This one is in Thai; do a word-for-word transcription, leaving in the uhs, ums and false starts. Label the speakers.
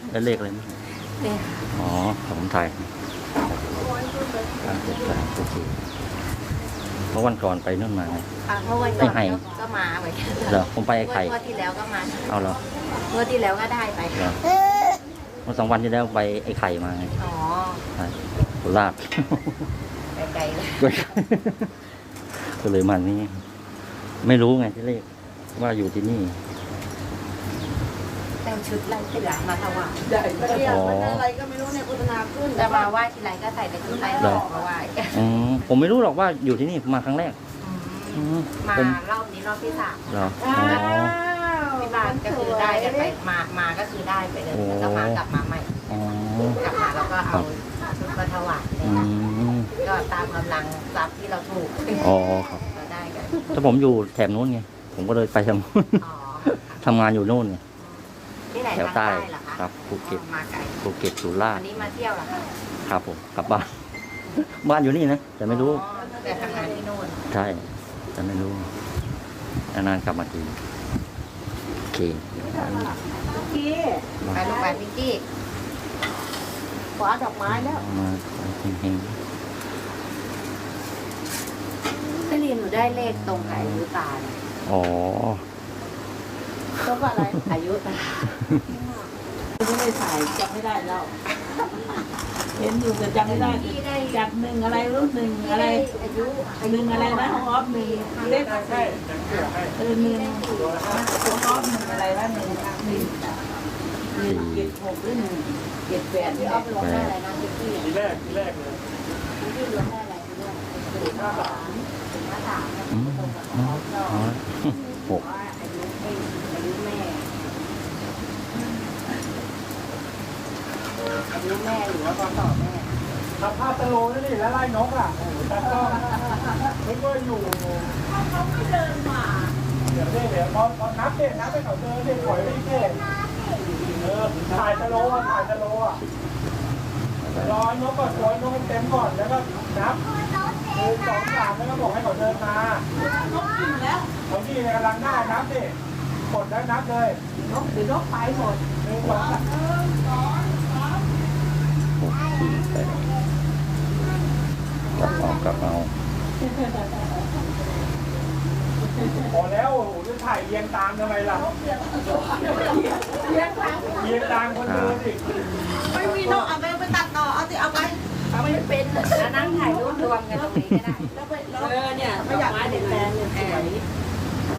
Speaker 1: ได้เลขอะไรไหม
Speaker 2: เนี่ย
Speaker 1: อ๋อผมไทยการเจ็ดแปดโอเคเพราะวันก่อนไปนู่นมาไง
Speaker 2: อ่ะเมื่อวันก่อน
Speaker 1: ไอ้ไห่
Speaker 2: ก็มาเหมือนกัน
Speaker 1: เหรอผมไปไอ้ไข่
Speaker 2: เมื่อที่แล้วก็มา
Speaker 1: เอาเหรอ
Speaker 2: เมื่อที่แล้วก็ได้ไป
Speaker 1: เหรอเมื่อสองวันที่แล้วไปไอ้ไข่มาไง
Speaker 2: อ๋อ
Speaker 1: ใช่โคราช
Speaker 2: ไกลๆเลย
Speaker 1: ก็เลยมานี่ไม่รู้ไงที่เลขว่าอยู่ที่นี่
Speaker 2: แต่งชุดลายเสือมาถวาย
Speaker 3: ใหญ่ไปเรียกมันอะไรก็ไม่รู้เนี่ยโฆษณาขึ้น
Speaker 2: แต่มาไหว้ทีไรก็ใส่แต่ชุดลายเสือมาไหว้
Speaker 1: อืมผมไม่รู้หรอกว่าอยู่ที่นี่ผมมาครั้งแรก
Speaker 2: อืม
Speaker 1: อืม
Speaker 2: มา
Speaker 1: ผม
Speaker 2: รอบนี้รอบที่สาม
Speaker 1: เหรอ
Speaker 3: อ้า
Speaker 1: อ๋อ
Speaker 3: ว
Speaker 2: ที่บ้านก็คือได้กันไปมามาก็คือได้ไปเลยแล้วก็มากลับมาใหม่
Speaker 1: อ๋อก
Speaker 2: ลับมาแล้วก็เอาชุดมาถวาย
Speaker 1: อืม
Speaker 2: ก็ตามกำลังทรัพย์ที่เราถูก
Speaker 1: อ๋อครับ
Speaker 2: เราได้กัน
Speaker 1: ถ้าผมอยู่แถบนู้นไงผมก็เลยไปทางนู้น
Speaker 2: อ๋อ
Speaker 1: ทำงานอยู่นู่นไง
Speaker 2: ที่ไหน
Speaker 1: แถว
Speaker 2: ทาง
Speaker 1: ใต้
Speaker 2: ใต้เหรอคะ
Speaker 1: ครับภูเก็ต
Speaker 2: อ๋อมาไกล
Speaker 1: ภูเก็ตสุราษ
Speaker 2: วั
Speaker 1: ฎ
Speaker 2: น
Speaker 1: ร์
Speaker 2: นี้มาเที่ยวเหรอคะ
Speaker 1: ครับผมกลับบ้าน บ้านอยู่นี่นะแต่ไม่รู้
Speaker 2: อ๋อแต่ทำงานที่โน่น
Speaker 1: ใช่แต่ไม่รู้นานๆกลับมาทีโอเค
Speaker 3: พี่
Speaker 2: ไปลูกไปพิงกี้
Speaker 3: ขวาดอกไม้แล้ว
Speaker 1: มาเฮง
Speaker 2: ไม่เรียนหนูได้เลขตรงกับอายุตาเลย
Speaker 1: ๆอ๋อ
Speaker 3: ต้องว่าอะไร
Speaker 2: อายุตา
Speaker 3: ไม่ได้ถ่ายจำไม่ได้แล้วเห็นอยู่แต่จำไม่ได้
Speaker 2: พี่ได้
Speaker 3: จากหนึ่งอะไรรู้หนึ่ง
Speaker 2: พี่
Speaker 3: อะไร
Speaker 2: ได้อายุ
Speaker 3: หนึ่งอะไรนะของออฟหนึ่งเล็กเออหนึ่งของออฟหนึ่งอะไรนะหนึ่งหนึ่งหนึ่งเจ็ดหกหรือหนึ่งเจ็ดแปด
Speaker 2: ที่
Speaker 3: เนี่ย
Speaker 2: ออฟลงได้อะไรนะพิงกี้
Speaker 4: ทีแรกทีแรกเลย
Speaker 2: พิงกี้ลงได้อะไรทีแรกศูนย์ห้าสามศูนย์ห้าสาม
Speaker 1: อืม
Speaker 2: ตรงกับ
Speaker 1: อื
Speaker 2: อ
Speaker 1: ม
Speaker 2: อฟเรา
Speaker 1: อ๋อหก
Speaker 2: ว่าอายุเองอายุแม่อายุแม่หรือว่าพศแม่
Speaker 4: ทำภาพตะโลนี่นี่แล้วไล่นกอ่ะแต่ก็นึกว่าอยู่เขาไม่เดินมาเดี๋ยวเดี๋ยวพอพอนับเด็นับไปเขาเจอเด็กปล่อยไม่เก่งเออถ่ายตะโลอ่ะถ่ายตะโลอ่ะรอนกก่อนรอนกเต็มก่อนแล้วก็นับหนึ่งสองสามแล้วก็บอกให้เขาเดินมาน
Speaker 3: กกินแล้ว
Speaker 4: เขาที่กำลังหน้านับดิกดแล้วนับเลย
Speaker 3: นกเดี๋ยวนกไปหมด
Speaker 4: หนึ่งสองสาม
Speaker 1: หกสี่แปดกลับเอากลับเอา
Speaker 4: พอแล้วโอ้โหจะถ่ายเรียงตามทำไมล่ะ
Speaker 3: เลี้ยงครั้ง
Speaker 4: เรียงตามคนเดินดิ
Speaker 3: ไม่มีนกเอาไปไปตัดต่อเอาสิเอาไปเอาไม่เป็น
Speaker 2: แล้วนั่งถ่ายรูปรวมกันตรงนี้ก็ได้
Speaker 3: เออเนี่ยไม่อยากให้เด็กแฟนเนี่ยสวย